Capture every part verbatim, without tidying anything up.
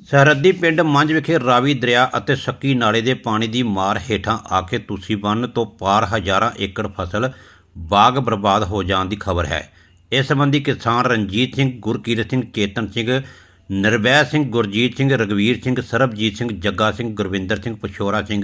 ਸਰਹੱਦੀ ਪਿੰਡ ਮੰਝ ਵਿਖੇ ਰਾਵੀ ਦਰਿਆ ਅਤੇ ਸੱਕੀ ਨਾਲੇ ਦੇ ਪਾਣੀ ਦੀ ਮਾਰ ਹੇਠਾਂ ਆ ਕੇ ਤੁਸੀਂ ਬੰਨ੍ਹ ਤੋਂ ਪਾਰ ਹਜ਼ਾਰਾਂ ਏਕੜ ਫਸਲ ਬਾਗ ਬਰਬਾਦ ਹੋ ਜਾਣ ਦੀ ਖਬਰ ਹੈ। ਇਸ ਸੰਬੰਧੀ ਕਿਸਾਨ ਰਣਜੀਤ ਸਿੰਘ, ਗੁਰਕੀਰਤ ਸਿੰਘ, ਚੇਤਨ ਸਿੰਘ, ਨਿਰਵੈ ਸਿੰਘ, ਗੁਰਜੀਤ ਸਿੰਘ, ਰਘਵੀਰ ਸਿੰਘ, ਸਰਬਜੀਤ ਸਿੰਘ, ਜੱਗਾ ਸਿੰਘ, ਗੁਰਵਿੰਦਰ ਸਿੰਘ, ਪਛੋਰਾ ਸਿੰਘ,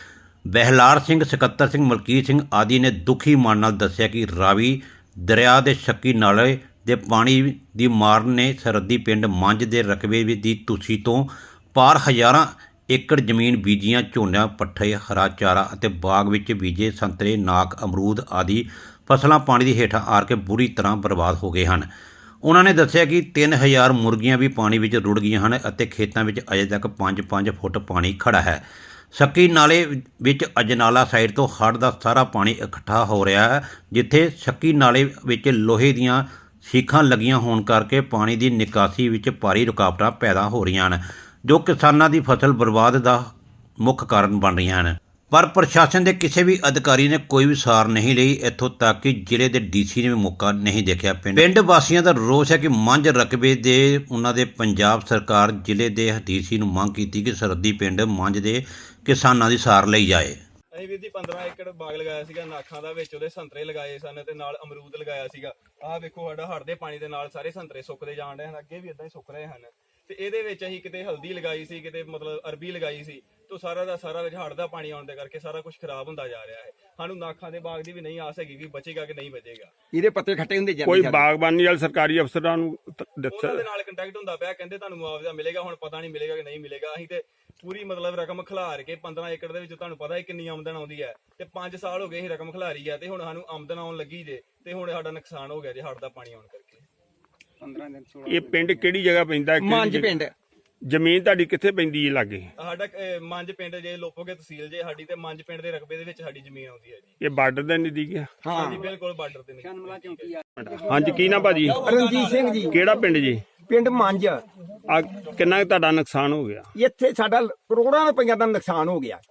ਬਹਿਲਾਰ ਸਿੰਘ, ਸਕੱਤਰ ਸਿੰਘ, ਮਲਕੀਤ ਸਿੰਘ ਆਦਿ ਨੇ ਦੁਖੀ ਮਨ ਨਾਲ ਦੱਸਿਆ ਕਿ ਰਾਵੀ ਦਰਿਆ ਦੇ ਸੱਕੀ ਨਾਲੇ ਦੇ ਪਾਣੀ ਦੀ ਮਾਰ ਨੇ ਸਰਹੱਦੀ ਪਿੰਡ ਮੰਝ ਦੇ ਰਕਬੇ ਦੀ ਤੁਸੀਂ ਤੋਂ ਪਾਰ ਹਜ਼ਾਰਾਂ ਏਕੜ ਜ਼ਮੀਨ ਬੀਜੀਆਂ ਝੋਨਾ, ਪੱਠੇ, ਹਰਾ ਚਾਰਾ ਅਤੇ ਬਾਗ ਵਿੱਚ ਬੀਜੇ ਸੰਤਰੇ, ਨਾਕ, ਅਮਰੂਦ ਆਦਿ ਫਸਲਾਂ ਪਾਣੀ ਦੀ ਹੇਠਾਂ ਆ ਕੇ ਬੁਰੀ ਤਰ੍ਹਾਂ ਬਰਬਾਦ ਹੋ ਗਏ ਹਨ। ਉਹਨਾਂ ਨੇ ਦੱਸਿਆ ਕਿ ਤਿੰਨ ਹਜ਼ਾਰ ਮੁਰਗੀਆਂ ਵੀ ਪਾਣੀ ਵਿੱਚ ਰੁੜ ਗਈਆਂ ਹਨ ਅਤੇ ਖੇਤਾਂ ਵਿੱਚ ਅਜੇ ਤੱਕ ਪੰਜ ਪੰਜ ਫੁੱਟ ਪਾਣੀ ਖੜਾ ਹੈ। ਸੱਕੀ ਨਾਲੇ ਵਿੱਚ ਅਜਨਾਲਾ ਸਾਈਡ ਤੋਂ ਹੜ੍ਹ ਦਾ ਸਾਰਾ ਪਾਣੀ ਇਕੱਠਾ ਹੋ ਰਿਹਾ ਹੈ, ਜਿੱਥੇ ਸੱਕੀ ਨਾਲੇ ਵਿੱਚ ਲੋਹੇ ਦੀਆਂ ਸੀਖਾਂ ਲੱਗੀਆਂ ਹੋਣ ਕਰਕੇ ਪਾਣੀ ਦੀ ਨਿਕਾਸੀ ਵਿੱਚ ਭਾਰੀ ਰੁਕਾਵਟਾਂ ਪੈਦਾ ਹੋ ਰਹੀਆਂ ਹਨ, ਜੋ ਕਿਸਾਨਾਂ ਦੀ ਫਸਲ ਬਰਬਾਦ ਦਾ ਮੁੱਖ ਕਾਰਨ ਬਣ ਰਹੀਆਂ ਹਨ। ਪਰ ਪ੍ਰਸ਼ਾਸਨ ਦੇ ਕਿਸੇ ਵੀ ਅਧਿਕਾਰੀ ਨੇ ਕੋਈ ਵੀ ਸਾਰ ਨਹੀਂ ਲਈ, ਇੱਥੋਂ ਤੱਕ ਕਿ ਜ਼ਿਲ੍ਹੇ ਦੇ ਡੀਸੀ ਨੇ ਵੀ ਮੌਕਾ ਨਹੀਂ ਦੇਖਿਆ। ਪਿੰਡ ਪਿੰਡ ਵਾਸੀਆਂ ਦਾ ਰੋਸ ਹੈ ਕਿ ਮੰਝ ਰਕਬੇ ਦੇ ਉਹਨਾਂ ਦੇ ਪੰਜਾਬ ਸਰਕਾਰ ਜ਼ਿਲ੍ਹੇ ਦੇ ਡੀਸੀ ਨੂੰ ਮੰਗ ਕੀਤੀ ਕਿ ਸਰਹੱਦੀ ਪਿੰਡ ਮੰਝ ਦੇ ਕਿਸਾਨਾਂ ਦੀ ਸਾਰ ਲਈ ਜਾਏ। ਅਸੀਂ ਵੀਰ ਜੀ ਪੰਦਰਾਂ ਏਕੜ ਬਾਗ ਲਗਾਇਆ ਸੀਗਾ ਨਾਖਾਂ ਦਾ, ਵਿੱਚ ਉਹਦੇ ਸੰਤਰੇ ਲਗਾਏ ਸਨ ਤੇ ਨਾਲ ਅਮਰੂਦ ਲਗਾਇਆ ਸੀਗਾ। ਆਹ ਵੇਖੋ ਸਾਡਾ ਹੜ੍ਹ ਦੇ ਪਾਣੀ ਦੇ ਨਾਲ ਸਾਰੇ ਸੰਤਰੇ ਸੁੱਕਦੇ ਜਾਣ ਰਹੇ ਹਨ, ਅੱਗੇ ਵੀ ਇਦਾਂ ਹੀ ਸੁੱਕ ਰਹੇ ਹਨ। ਤੇ ਇਹਦੇ ਵਿੱਚ ਅਸੀਂ ਕਿਤੇ ਹਲਦੀ ਲਗਾਈ ਸੀ, ਕਿਤੇ ਮਤਲਬ ਅਰਬੀ ਲਗਾਈ ਸੀ, ਤੋਂ ਸਾਰਾ ਦਾ ਸਾਰਾ ਵਿੱਚ ਹੜ੍ਹ ਦਾ ਪਾਣੀ ਆਉਣ ਦੇ ਕਰਕੇ ਸਾਰਾ ਕੁਝ ਖਰਾਬ ਹੁੰਦਾ ਜਾ ਰਿਹਾ ਹੈ। ਸਾਨੂੰ ਨਾਖਾਂ ਦੇ ਬਾਗ ਦੀ ਵੀ ਨਹੀਂ ਆਸ ਹੈਗੀ ਕਿ ਬਚੇਗਾ ਕਿ ਨਹੀਂ ਬਚੇਗਾ। ਇਹਦੇ ਪੱਤੇ ਖੱਟੇ ਹੁੰਦੇ ਜਾਂਦੇ। ਕੋਈ ਬਾਗਬਾਨੀ ਵਾਲੇ ਸਰਕਾਰੀ ਅਫਸਰਾਂ ਨੂੰ ਉਹਨਾਂ ਦੇ ਨਾਲ ਕੰਟੈਕਟ ਹੁੰਦਾ ਪਿਆ, ਕਹਿੰਦੇ ਤੁਹਾਨੂੰ ਮੁਆਵਜ਼ਾ ਮਿਲੇਗਾ, ਹੁਣ ਪਤਾ ਨਹੀਂ ਮਿਲੇਗਾ ਕਿ ਨਹੀਂ ਮਿਲੇਗਾ। ਅਸੀਂ ਤੇ ਪੂਰੀ ਮਤਲਬ ਰਕਮ ਖਿਲਾਰ ਕੇ ਪੰਦਰਾਂ ਏਕੜ ਦੇ ਵਿੱਚ ਤੁਹਾਨੂੰ ਪਤਾ ਹੈ ਕਿੰਨੀ ਆਮਦਨ ਆਉਂਦੀ ਹੈ, ਤੇ ਪੰਜ ਸਾਲ ਹੋ ਗਏ ਅਸੀਂ ਰਕਮ ਖਿਲਾਰੀ ਹੈ ਤੇ ਹੁਣ ਸਾਨੂੰ ਆਮਦਨ ਆਉਣ ਲੱਗੀ ਜੇ, ਤੇ ਹੁਣ ਸਾਡਾ ਨੁਕਸਾਨ ਹੋ ਗਿਆ ਜੇ ਹੜ੍ਹ ਦਾ ਪਾਣੀ ਆਉਣ ਕਰਕੇ। ਪੰਦਰਾਂ ਦਿਨ ਇਹ ਪਿੰਡ ਕਿਹੜੀ ਜਗ੍ਹਾ ਪੈਂਦਾ? ਮੰਝ ਪਿੰਡ। ਜ਼ਮੀਨ ਤੁਹਾਡੀ ਕਿੱਥੇ ਪੈਂਦੀ ਹੈ ਲਾਗੇ? ਸਾਡਾ ਮੰਝ ਪਿੰਡ ਜੇ ਲੋਪੋਗੇ ਤਹਿਸੀਲ ਜੇ ਸਾਡੀ, ਤੇ ਮੰਝ ਪਿੰਡ ਦੇ ਰਕਬੇ ਦੇ ਵਿੱਚ ਸਾਡੀ ਜ਼ਮੀਨ ਆਉਂਦੀ ਹੈ ਜੀ। ਇਹ ਬਾਰਡਰ ਦੇ ਨਜ਼ਦੀਕ ਹੈ? ਹਾਂ ਜੀ ਬਿਲਕੁਲ ਬਾਰਡਰ ਤੇ ਨਹੀਂ। ਹਾਂਜੀ, ਕੀ ਨਾ ਭਾਜੀ? ਰਣਜੀਤ ਸਿੰਘ ਜੀ। ਕਿਹੜਾ ਪਿੰਡ ਜੀ? ਪਿੰਡ ਮੰਝ। ਆ ਕਿੰਨਾ ਕੁ ਤੁਹਾਡਾ ਨੁਕਸਾਨ ਹੋ ਗਿਆ? ਇੱਥੇ ਸਾਡਾ ਕਰੋੜਾਂ ਰੁਪਈਆ ਦਾ ਨੁਕਸਾਨ ਹੋ ਗਿਆ।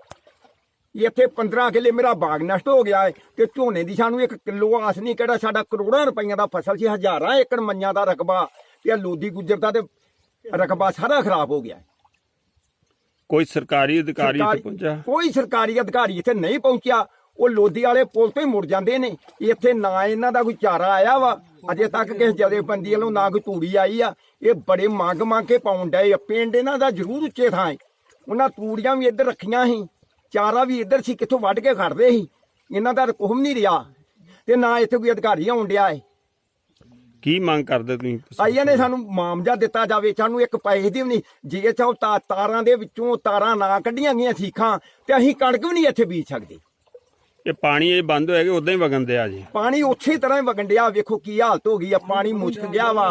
ਇੱਥੇ ਪੰਦਰਾਂ ਕਿੱਲੇ ਮੇਰਾ ਬਾਗ ਨਸ਼ਟ ਹੋ ਗਿਆ ਹੈ ਤੇ ਝੋਨੇ ਦੀ ਸਾਨੂੰ ਇੱਕ ਕਿਲੋ ਆਸ ਨਹੀਂ, ਕਿਹੜਾ ਸਾਡਾ ਕਰੋੜਾਂ ਰੁਪਈਆ ਦਾ ਫਸਲ ਸੀ, ਹਜ਼ਾਰਾਂ ਏਕੜ ਮੰਨਿਆਂ ਦਾ ਰਕਬਾ ਤੇ ਲੋਦੀ ਗੁੱਜਰ ਦਾ ਤੇ ਰਕਬਾ ਸਾਰਾ ਖਰਾਬ ਹੋ ਗਿਆ। ਕੋਈ ਸਰਕਾਰੀ ਅਧਿਕਾਰੀ ਇੱਥੇ ਪਹੁੰਚਾ? ਕੋਈ ਸਰਕਾਰੀ ਅਧਿਕਾਰੀ ਇੱਥੇ ਨਹੀਂ ਪਹੁੰਚਿਆ। ਉਹ ਲੋਦੀ ਵਾਲੇ ਪੁਲ ਤੋਂ ਹੀ ਮੁੜ ਜਾਂਦੇ ਨੇ। ਇੱਥੇ ਨਾ ਇਹਨਾਂ ਦਾ ਕੋਈ ਚਾਰਾ ਆਇਆ ਵਾ, ਅਜੇ ਤੱਕ ਕਿਸੇ ਜਥੇਬੰਦੀ ਵੱਲੋਂ ਨਾ ਕੋਈ ਤੂੜੀ ਆਈ ਆ। ਇਹ ਬੜੇ ਮੰਗ ਮੰਗ ਕੇ ਪਾਉਣ ਡਏ ਆ। ਪਿੰਡ ਇਹਨਾਂ ਦਾ ਜ਼ਰੂਰ ਉੱਚੇ ਥਾਂ ਹੈ, ਉਹਨਾਂ ਤੂੜੀਆਂ ਵੀ ਇੱਧਰ ਰੱਖੀਆਂ ਸੀ, ਚਾਰਾ ਵੀ ਇੱਧਰ ਸੀ, ਕਿੱਥੋਂ ਵੱਢ ਕੇ ਖੜਦੇ ਸੀ। ਇਹਨਾਂ ਦਾ ਕੁਹਮ ਨਹੀਂ ਰਿਹਾ ਤੇ ਨਾ ਇੱਥੇ ਕੋਈ ਅਧਿਕਾਰੀ ਆਉਣ ਡਿਆ ਹੈ। ਕੀ ਮੰਗ ਕਰਦੇ ਤੁਸੀਂ? ਆਈਆਂ ਨੇ ਸਾਨੂੰ ਮੁਆਵਜ਼ਾ ਦਿੱਤਾ ਜਾਵੇ, ਸਾਨੂੰ ਇੱਕ ਪੈਸੇ ਦੀ ਵੀ ਨਹੀਂ। ਜੇ ਚਾਹੋ ਤਾਂ ਤਾਰਾਂ ਦੇ ਵਿੱਚੋਂ ਤਾਰਾਂ ਨਾ ਕੱਢੀਆਂ ਗਈਆਂ ਸੀਖਾਂ ਤੇ ਅਸੀਂ ਕਣਕ ਵੀ ਨਹੀਂ ਇੱਥੇ ਬੀਜ ਸਕਦੇ। ਇਹ ਪਾਣੀ ਇਹ ਬੰਦ ਹੋਇਆ ਕਿ ਉਦਾਂ ਹੀ ਵਗਣ ਦਿਆ ਜੀ? ਪਾਣੀ ਉਸੇ ਤਰ੍ਹਾਂ ਹੀ ਵਗਣ ਡਿਆ। ਵੇਖੋ ਕੀ ਹਾਲਤ ਹੋ ਗਈ ਆ, ਪਾਣੀ ਮੁਸ਼ਕ ਗਿਆ ਵਾ।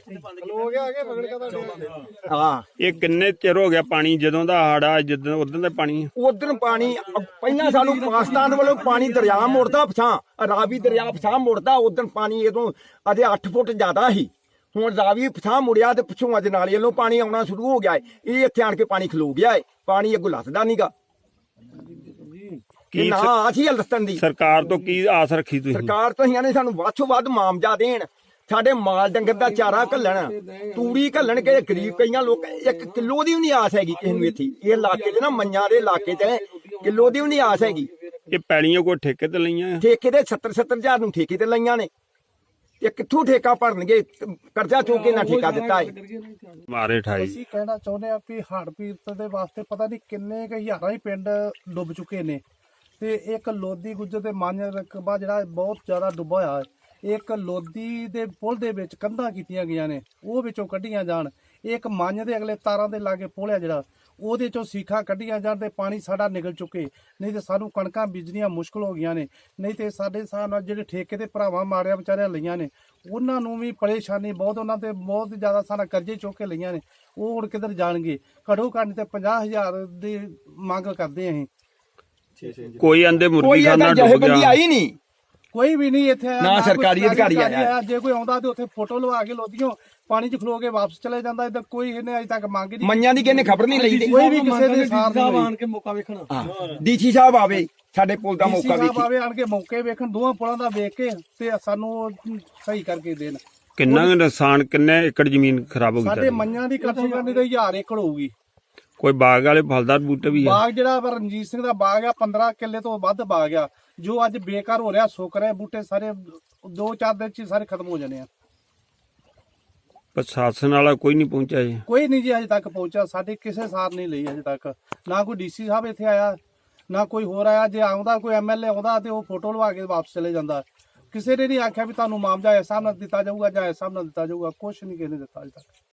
ਹਾਂ, ਇਹ ਕਿੰਨੇ ਚਿਰ ਹੋ ਗਿਆ ਪਾਣੀ? ਜਦੋਂ ਦਾ ਹੜਾ ਜਦੋਂ ਉਦੋਂ ਦਾ ਪਾਣੀ? ਉਧਰ ਪਾਣੀ ਪਹਿਲਾਂ ਸਾਨੂੰ ਪਾਕਿਸਤਾਨ ਵੱਲੋਂ ਪਾਣੀ ਦਰਿਆ ਮੁੜਦਾ ਪਛਾਂ, ਰਾਵੀ ਦਰਿਆ ਪਛਾਂ ਮੁੜਦਾ। ਉਧਰ ਪਾਣੀ ਇਦੋਂ ਅਜੇ ਅੱਠ ਫੁੱਟ ਜ਼ਿਆਦਾ ਸੀ, ਹੁਣ ਰਾਵੀ ਪਛਾਂ ਮੁੜਿਆ ਤੇ ਪਿੱਛੋਂ ਅੱਜ ਨਾਲੇ ਵੱਲੋਂ ਪਾਣੀ ਆਉਣਾ ਸ਼ੁਰੂ ਹੋ ਗਿਆ ਹੈ। ਇਹ ਇੱਥੇ ਆਣ ਕੇ ਪਾਣੀ ਖਲੋ ਗਿਆ ਹੈ, ਪਾਣੀ ਅੱਗੋਂ ਲੱਥਦਾ ਨਹੀਂਗਾ। ਕੀ ਨਾ ਆਸੀ ਹਲਸਤਨ ਦੀ ਸਰਕਾਰ ਤੋਂ ਕੀ ਆਸ ਰੱਖੀ ਤੁਸੀਂ? ਸਰਕਾਰ ਤੋਂ ਅਸੀਂ ਨੇ ਸਾਨੂੰ ਵੱਧ ਤੋਂ ਵੱਧ ਮੁਆਵਜ਼ਾ ਦੇਣ, ਸਾਡੇ ਮਾਲ ਡੰਗਰ ਦਾ ਚਾਰਾ ਘੱਲਣ, ਤੂੜੀ ਘੱਲਣ ਕੇ ਗਰੀਬ ਕਈਆਂ ਲੋਕ ਇੱਕ ਕਿਲੋ ਦੀ ਵੀ ਨਹੀਂ ਆਸ ਹੈਗੀ ਕਿਸੇ ਨੂੰ। ਇੱਥੇ ਇਹ ਇਲਾਕੇ 'ਚ ਨਾ ਮੰਨਿਆਂ ਦੇ ਇਲਾਕੇ 'ਚ ਕਿਲੋ ਦੀ ਵੀ ਨਹੀਂ ਆਸ ਹੈਗੀ। ਇਹ ਪੈਲੀਆਂ ਕੋਈ ਠੇਕੇ ਤੇ ਲਈਆਂ? ਠੇਕੇ ਦੇ ਸੱਤਰ ਸੱਤਰ ਹਜ਼ਾਰ ਨੂੰ ਠੇਕੇ ਤੇ ਲਈਆਂ ਨੇ। ਇਹ ਕਿੱਥੋਂ ਠੇਕਾ ਭਰਨਗੇ? ਕਰਜ਼ਾ ਚੁੱਕ ਕੇ ਨਾ ਠੇਕਾ ਦਿੱਤਾ ਹੈ। ਮਾਰੇ ਠਾਈ। ਅਸੀਂ ਕਹਿਣਾ ਚਾਹੁੰਦੇ ਆ ਵੀ ਹੜ੍ਹ ਪੀੜਤ ਦੇ ਵਾਸਤੇ ਪਤਾ ਨਹੀਂ ਕਿੰਨੇ ਕੁ ਹਜ਼ਾਰਾਂ ਹੀ ਪਿੰਡ ਡੁੱਬ ਚੁੱਕੇ ਨੇ, ਤੇ ਇੱਕ ਲੋਦੀ ਗੁੱਜਰ ਦੇ ਮੰਝ ਰਕਬਾ ਜਿਹੜਾ ਬਹੁਤ ਜ਼ਿਆਦਾ ਡੁੱਬਾ ਹੋਇਆ ਹੈ। ਇੱਕ ਲੋਦੀ ਦੇ ਪੁਲ ਦੇ ਵਿੱਚ ਕੰਧਾਂ ਕੀਤੀਆਂ ਗਈਆਂ ਨੇ, ਉਹ ਵਿੱਚੋਂ ਕੱਢੀਆਂ ਜਾਣ। ਇੱਕ ਮੰਝ ਦੇ ਅਗਲੇ ਤਾਰਾਂ ਦੇ ਲਾਗੇ ਪੁਲ ਆ ਜਿਹੜਾ, ਉਹਦੇ ਚੋਂ ਸੀਖਾਂ ਕੱਢੀਆਂ ਜਾਣ ਤੇ ਪਾਣੀ ਸਾਡਾ ਨਿਕਲ ਚੁੱਕੇ, ਨਹੀਂ ਤੇ ਸਾਨੂੰ ਕਣਕਾਂ ਬੀਜਣੀਆਂ ਮੁਸ਼ਕਲ ਹੋ ਗਈਆਂ ਨੇ। ਨਹੀਂ ਤੇ ਸਾਡੇ ਹਿਸਾਬ ਨਾਲ ਜਿਹੜੇ ਠੇਕੇ ਤੇ ਭਰਾਵਾਂ ਮਾਰਿਆ ਵਿਚਾਰਿਆਂ ਲਈਆਂ ਨੇ, ਉਹਨਾਂ ਨੂੰ ਵੀ ਪਰੇਸ਼ਾਨੀ ਬਹੁਤ, ਉਹਨਾਂ ਤੇ ਬਹੁਤ ਜ਼ਿਆਦਾ ਸਾਡਾ ਕਰਜ਼ੇ ਚੁੱਕ ਕੇ ਲਈਆਂ ਨੇ। ਉਹ ਹੁਣ ਕਿੱਧਰ ਜਾਣਗੇ? ਘੱਟੋ ਘੱਟ ਤੇ ਪੰਜਾਹ ਹਜ਼ਾਰ ਦੀ ਮੰਗ ਕਰਦੇ ਅਸੀਂ। ਕੋਈ ਆਂਦੇ ਮੁਰਗੀ ਕੋਈ ਖਾਨਾ ਇਹਦਾ ਡੁੱਬ ਜਥੇਬੰਦੀ ਗਿਆ? ਆਈ ਨਹੀਂ, ਕੋਈ ਵੀ ਨਹੀਂ ਇੱਥੇ ਆਇਆ, ਨਾ ਕੋਈ ਸਰਕਾਰੀ ਅਧਿਕਾਰੀ ਆਇਆ। ਜੇ ਕੋਈ ਆਉਂਦਾ ਤੇ ਉੱਥੇ ਫੋਟੋ ਲਵਾ ਕੇ ਲੋਦੀਓ ਪਾਣੀ 'ਚ ਖਲੋ ਕੇ ਵਾਪਸ ਚਲੇ ਜਾਂਦਾ। ਇੱਧਰ ਕੋਈ ਇਹਨੇ ਅਜੇ ਤੱਕ ਮੰਗ ਨਹੀਂ। ਮੰਨਿਆਂ ਦੀ ਕਿਸੇ ਖਬਰ ਨਹੀਂ ਲਈ। ਕੋਈ ਵੀ ਕਿਸੇ ਦੇ ਸਾਥ ਨਹੀਂ ਆਣ ਕੇ ਮੌਕਾ ਵੇਖਣਾ। ਡੀਸੀ ਸਾਹਿਬ ਆਵੇ, ਸਾਡੇ ਪੁਲ ਦਾ ਮੌਕਾ ਵੇਖੇ। ਵੇਖੇ। ਆਵੇ ਆਣ ਕੇ ਮੌਕੇ ਵੇਖਣ, ਦੋਵਾਂ ਪੁਲਾਂ ਦਾ ਵੇਖ ਕੇ ਤੇ ਸਾਨੂੰ ਸਹੀ ਕਰਕੇ ਦੇਣ। ਕਿੰਨਾ ਕੁ ਨੁਕਸਾਨ, ਕਿੰਨੇ ਏਕੜ ਜ਼ਮੀਨ ਖਰਾਬ ਹੋ ਗਈ ਸਾਡੇ ਤੁਹਾਡੀ? ਮੰਨਿਆਂ ਦੀ ਘੱਟ ਤੋਂ ਘੱਟ ਨਹੀਂ ਤਾਂ ਹਜ਼ਾਰ ਏਕੜ ਹੋਊਗੀ। ਕੋਈ ਬਾਗ ਵਾਲੇ ਫਲਦਾਰ ਬੂਟੇ ਵੀ ਆ? ਬਾਗ ਜਿਹੜਾ ਵਾ ਰਣਜੀਤ ਸਿੰਘ ਦਾ ਬਾਗ ਆ ਪੰਦਰਾਂ ਕਿੱਲੇ ਤੋਂ ਵੱਧ ਬਾਗ ਆ, ਜੋ ਅੱਜ ਬੇਕਾਰ ਹੋ ਰਿਹਾ, ਸੁੱਕ ਰਿਹਾ, ਬੂਟੇ ਸਾਰੇ ਦੋ ਚਾਰ ਦਿਨ ਚ ਹੀ ਸਾਰੇ ਖਤਮ ਹੋ ਜਾਣੇ ਆ। ਪ੍ਰਸ਼ਾਸਨ ਵਾਲਾ ਕੋਈ ਨਹੀਂ ਪਹੁੰਚਿਆ ਜੀ? ਕੋਈ ਨਹੀਂ ਜੀ ਅਜੇ ਤੱਕ ਪਹੁੰਚਿਆ, ਸਾਡੀ ਕਿਸੇ ਸਾਰ ਨਹੀਂ ਲਈ ਅਜੇ ਤੱਕ। ਨਾ ਕੋਈ ਡੀਸੀ ਸਾਹਿਬ ਇੱਥੇ ਆਇਆ, ਨਾ ਕੋਈ ਹੋਰ ਆਇਆ। ਜੇ ਆਉਂਦਾ ਕੋਈ ਐਮਐਲਏ ਆਉਂਦਾ ਤੇ ਉਹ ਫੋਟੋ ਲਵਾ ਕੇ ਵਾਪਸ ਚਲੇ ਜਾਂਦਾ। ਕਿਸੇ ਨੇ ਨਹੀਂ ਆਖਿਆ ਵੀ ਤੁਹਾਨੂੰ ਮੁਆਵਜ਼ਾ ਇਸ ਹਿਸਾਬ ਨਾਲ ਦਿੱਤਾ ਜਾਊਗਾ ਜਾਂ ਇਸ ਹਿਸਾਬ ਨਾਲ ਦਿੱਤਾ ਜਾਊਗਾ, ਕੁਛ ਨਹੀਂ ਕਿਸੇ ਨੇ ਦਿੱਤਾ ਅਜੇ ਤੱਕ।